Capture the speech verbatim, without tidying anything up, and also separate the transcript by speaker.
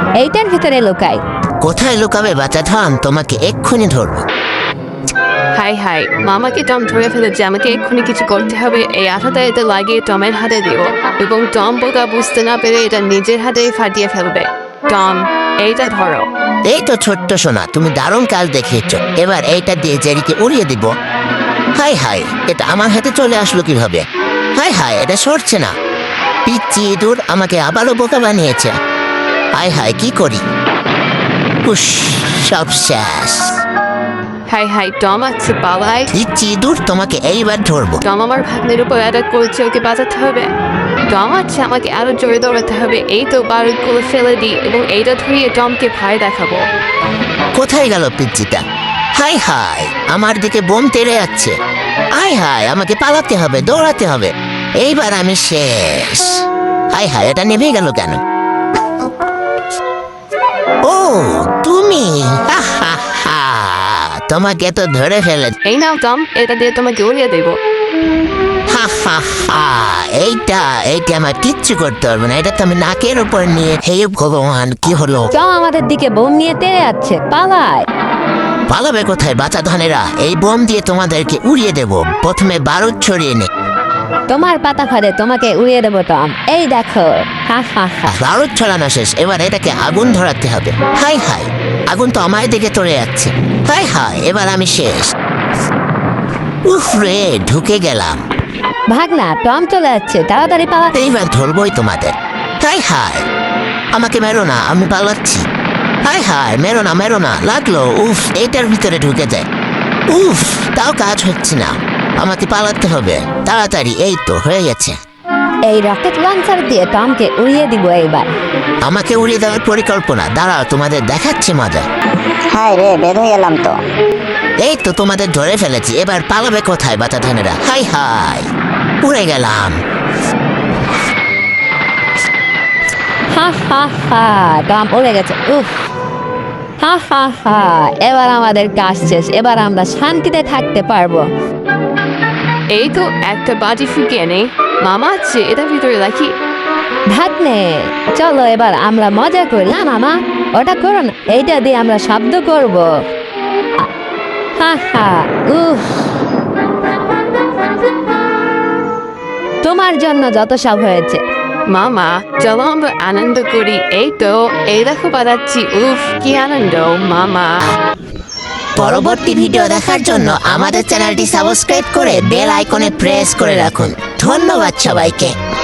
Speaker 1: এইটার ভিতরে লুকাই।
Speaker 2: কোথায় লুকাবে বাচ্চা থাম, তোমাকে এক্ষুনি ধরবো।
Speaker 3: হাই হাই, মামাকে টম ধরে ফেলেছে, আমাকে এক্ষুনি কিছু করতে হবে। এই আঠাটা এটা লাগিয়ে টমের হাতে দিও এবং টম বোকা বুঝতে না পেরে এটা নিজের হাতেই ফাটিয়ে ফেলবে। টম, এইটা ধরো।
Speaker 2: এই তো ছোট্ট সোনা, তুমি দারুণ কাজ দেখিয়েছ। এবার এইটা দিয়ে জেরিকে উড়িয়ে দিব। হাই হাই, এটা আমার হাতে চলে আসলো কিভাবে? হাই হাই, এটা সরছে না। পিচ্চি ইঁদুর আমাকে আবারও বোকা বানিয়েছে। হাই হাই, কি করি? উস, সব শেষ।
Speaker 3: হাই হাই, টম আছে পালাই।
Speaker 2: পিচ্চি ইঁদুর, তোমাকে এইবার ধরবো।
Speaker 3: টম আমার ভাগ্নের উপর অ্যাটাক করেছে, ওকে বাঁচাতে হবে। টম আছে, আমাকে আরো জোরে দৌড়াতে হবে। এই তো বারুদগুলো ফেলে দিই এবং এইটা ধরিয়ে টমকে ভয় দেখাবো।
Speaker 2: কোথায় গেল পিচ্চিটা? হাই হাই, আমার দিকে বোম তেড়ে যাচ্ছে। হাই হাই, আমাকে পালাতে হবে, দৌড়াতে হবে। এইবার আমি শেষ। হাই হাই, এটা নেমে গেল কেন? ও তুমি, হা হা হা, তোমাকে তো ধরে ফেলে।
Speaker 3: এই নাও টম, এটা দিয়ে তোমাকে উড়িয়ে দেবো।
Speaker 2: হা হা হা, এইটা এইটা আমার কিচ্ছু করতে পারবে না। এটা তো আমি নাকের উপর নিয়ে। হে ভগবান, কি হলো?
Speaker 1: টম আমাদের দিকে বোম নিয়ে তেড়ে যাচ্ছে, পালায়।
Speaker 2: পালাবে কোথায় বাচ্চা ধনেরা? এই বোম দিয়ে তোমাদেরকে উড়িয়ে দেব। প্রথমে বারুদ ছড়িয়ে নে।
Speaker 1: তোমার পাতা ফাড়ে তোমাকে উড়িয়ে দেবো টম, এই দেখো। হা হা হা।
Speaker 2: বারুদ ছড়ানো শেষ, এবার এটাকে আগুন ধরাতে হবে। হাই হাই, আগুন তো আমার দিকে চলে যাচ্ছে। হাই হাই, এবার আমি শেষ। উফ রে, ঢুকে গেলাম।
Speaker 1: ভাগ না, টম চলে যাচ্ছে, তাড়াতাড়ি পালা।
Speaker 2: এইবার ধরবই তোমাদের। হাই হাই, আমাকে মেরো না, আমি পালাচ্ছি। হাই হাই, মেরো না মেরো না, লাগলো। উফ, এইটার ভিতরে ঢুকে যায়। উফ, তাও কাজ হচ্ছে না, আমাকে পালাতে হবে তাড়াতাড়ি। এই তো হয়ে গেছে।
Speaker 1: এই রকেট লঞ্চার দিয়ে টমকে উড়িয়ে দিব এইবার।
Speaker 2: আমাকে উড়িয়ে দেওয়ার পরিকল্পনা, দাঁড়াও তোমাদের দেখাচ্ছি মজা।
Speaker 4: হাই রে, বের হয়ে গেলাম তো।
Speaker 2: এই তো তোমাদের ধরে ফেলেছি, এবার পালাবে কোথায় বাচ্চা ধানেরা? হাই হাই, উড়ে গেলাম।
Speaker 1: হা হা হা, টম উড়ে গেছে। উফ, হা হা হা, এবার আমাদের কাজ শেষ, এবার আমরা শান্তিতে থাকতে পারবো।
Speaker 3: এই তো একটা বাজি ফুকিয়ে নেই। মামা আছে, এটা ভিতরে রাখি।
Speaker 1: ভাগ্নে, চলো এবার আমরা মজা করি। না মামা, ওটা করো না, এইটা দিয়ে আমরা শব্দ করব। হা হা, উফ, তোমার জন্য যত সব হয়েছে।
Speaker 3: মামা, চলো আমরা আনন্দ করি। এই তো, এই দেখো বাজাচ্ছি। উফ, কি আনন্দ মামা।
Speaker 2: পরবর্তী ভিডিও দেখার জন্য আমাদের চ্যানেলটি সাবস্ক্রাইব করে বেল আইকনে প্রেস করে রাখুন। ধন্যবাদ সবাইকে।